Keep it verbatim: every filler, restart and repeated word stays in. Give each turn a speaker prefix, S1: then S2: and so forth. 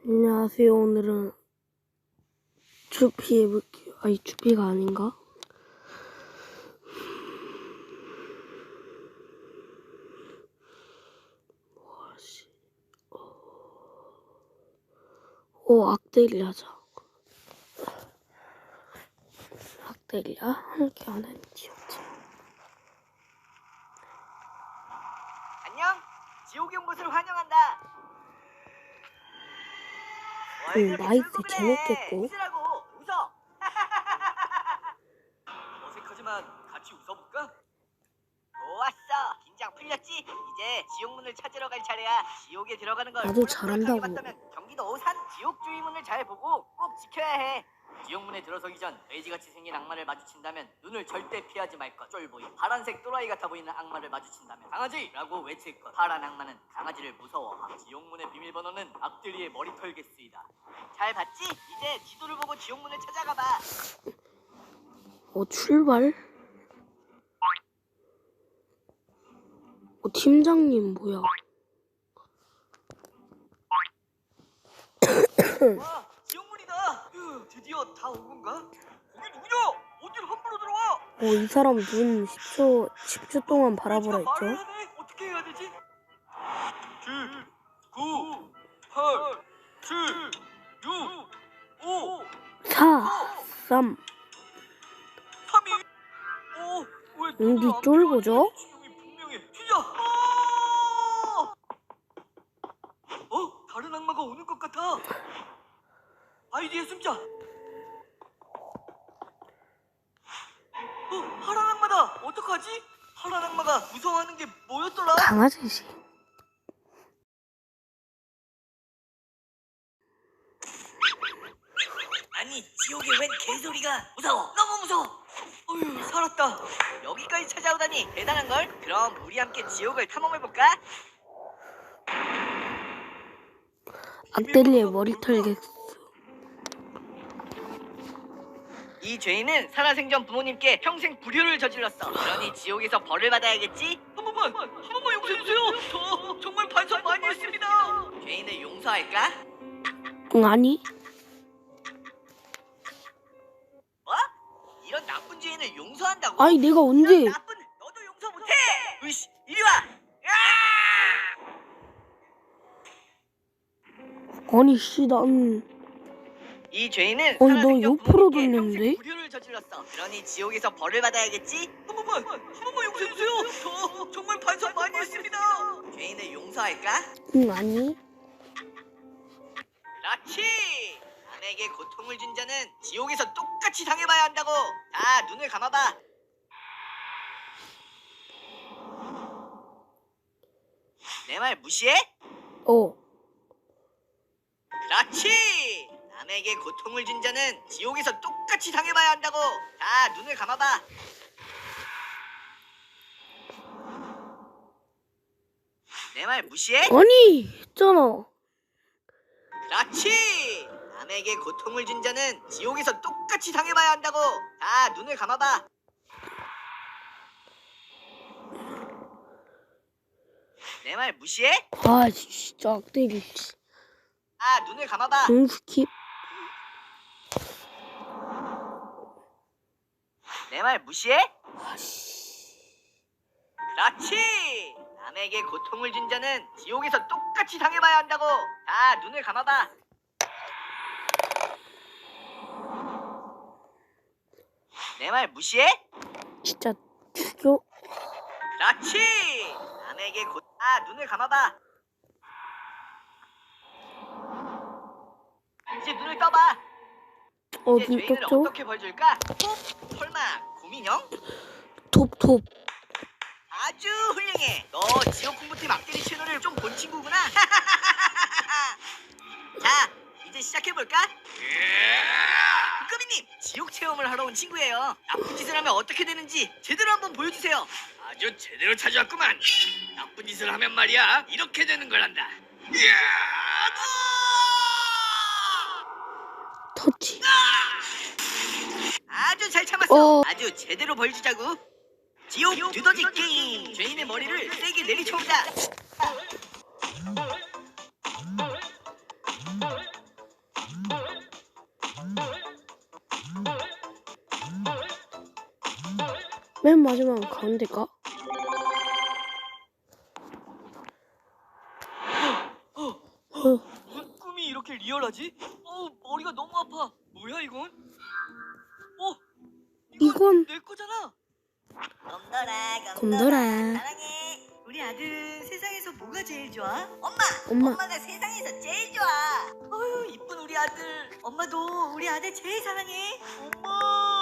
S1: 안녕하세요. 오늘은 추피 해볼게요. 아니, 추피가 아닌가? 뭐하지? 오, 악데리 하자. 악데리야? 함께 하는 지옥지.
S2: 안녕! 지옥에 온 것을 환영한다!
S1: 음, 나이트 재밌겠고.
S2: 웃으라고! 웃어! 어색하지만 같이 웃어볼까? 좋았어! 긴장 풀렸지? 이제 지옥문을 찾으러 갈 차례야. 지옥에 들어가는 걸
S1: 나도
S2: 호락호락하게
S1: 잘한다고.
S2: 봤다면 경기도 오산 지옥 주의문을 잘 보고 꼭 지켜야 해. 지옥문에 들어서기 전 돼지같이 생긴 악마를 마주친다면 눈을 절대 피하지 말 것. 쫄보이 파란색 또라이 같아 보이는 악마를 마주친다면 강아지라고 외칠 것. 파란 악마는 강아지를 무서워함. 지옥문의 비밀번호는 악들이의 머리털 개수이다. 잘 봤지? 이제 지도를 보고 지옥문을 찾아가봐.
S1: 어, 출발? 어, 팀장님 뭐야?
S2: 와, 지옥문이다. 으, 드디어 다 온 건가? 거기 누구냐? 어딜 함부로 들어와?
S1: 어, 이 사람 눈 십 초, 십 초 동안 바라보라
S2: 돼지가 말을
S1: 했죠?
S2: 하네? 어떻게 해야 되지? 칠, 구, 팔, 칠, 육, 오,
S1: 사, 삼.
S2: 삼, 이, 오, 왜
S1: 응,
S2: 눈을
S1: 니
S2: 안
S1: 쫄보죠?
S2: 피하지? 지옥이 분명해. 튀자! 아! 어? 다른 악마가 오는 것 같아. 아이디에 숨자. 어, 파란 악마다. 어떡하지? 파란 악마가 무서워하는 게 뭐였더라?
S1: 강아지지.
S2: 아니, 지옥에 웬 개소리가. 무서워. 너무 무서워. 어휴, 살았다. 여기까지 찾아오다니 대단한걸? 그럼 우리 함께 지옥을 탐험해볼까?
S1: 악데리의 머리털 개수.
S2: 이 죄인은 살아생전 부모님께 평생 불효를 저질렀어. 그러니 지옥에서 벌을 받아야겠지? 한 번만, 한 번만 용서해주세요. 저 정말 반성 많이 했습니다. 죄인을 용서할까?
S1: 응, 아니.
S2: 뭐? 이런 나쁜 죄인을 용서한다고?
S1: 아니, 내가 언제.
S2: 이런 나쁜 너도 용서 못해. 으이씨, 이리 와. 야!
S1: 아니, 씨, 난.
S2: 이 죄인은
S1: 어이, 너
S2: 살아생전
S1: 옆으로
S2: 부모님께
S1: 돌렸는데?
S2: 평생 불효를 저질렀어. 그러니 지옥에서 벌을 받아야겠지? 한 번만, 한 번만 용서해주세요. 저 정말 반성 많이 했습니다. 죄인을 용서할까?
S1: 응, 아니.
S2: 그렇지. 남에게 고통을 준 자는 지옥에서 똑같이 당해봐야 한다고. 자, 눈을 감아봐. 내 말 무시해?
S1: 어.
S2: 그렇지. 남에게 고통을 준 자는 지옥에서 똑같이 당해봐야 한다고. 자, 눈을 감아봐. 내 말 무시해?
S1: 아니, 했잖아.
S2: 그렇지. 남에게 고통을 준 자는 지옥에서 똑같이 당해봐야 한다고. 자, 눈을 감아봐. 내 말 무시해?
S1: 아, 진짜 악데리.
S2: 아, 눈을 감아봐.
S1: 응, 스킵.
S2: 내 말 무시해?
S1: 아씨.
S2: 그렇지. 남에게 고통을 준 자는 지옥에서 똑같이 당해봐야 한다고. 자, 눈을 감아봐. 내 말 무시해?
S1: 진짜 죽여.
S2: 그렇지. 남에게 고... 아, 눈을 감아봐. 이제 눈을 떠봐.
S1: 어,
S2: 이제
S1: 눈
S2: 죄인을
S1: 떴죠?
S2: 어떻게 벌 줄까? 톱? 설마 고민형?
S1: 톱, 톱.
S2: 아주 훌륭해. 너 지옥 공부팀 악데리 채널을 좀 본 친구구나. 자, 이제 시작해볼까? 국가비님, 지옥 체험을 하러 온 친구예요. 나쁜 짓을 하면 어떻게 되는지 제대로 한번 보여주세요.
S3: 아주 제대로 찾아왔구만. 나쁜 짓을 하면 말이야 이렇게 되는 거란다. 이야!
S1: 터치.
S2: 아주 잘 참았어.
S1: 어.
S2: 아주 제대로 보여주자고. 지옥 두더지 게임. 죄인의 머리를 세게 내리쳐온다.
S1: 맨 마지막 가운데가? 어,
S2: 무슨 꿈이 이렇게 리얼하지? 어, 머리가 너무 아파. 뭐야 이건? 어,
S1: 이건
S2: 내 거잖아.
S4: 곰돌아,
S1: 곰돌아.
S4: 사랑해. 우리 아들은 세상에서 뭐가 제일 좋아? 엄마!
S1: 엄마.
S4: 엄마가 세상에서 제일 좋아. 어휴, 이쁜 우리 아들. 엄마도 우리 아들 제일 사랑해.
S2: 엄마.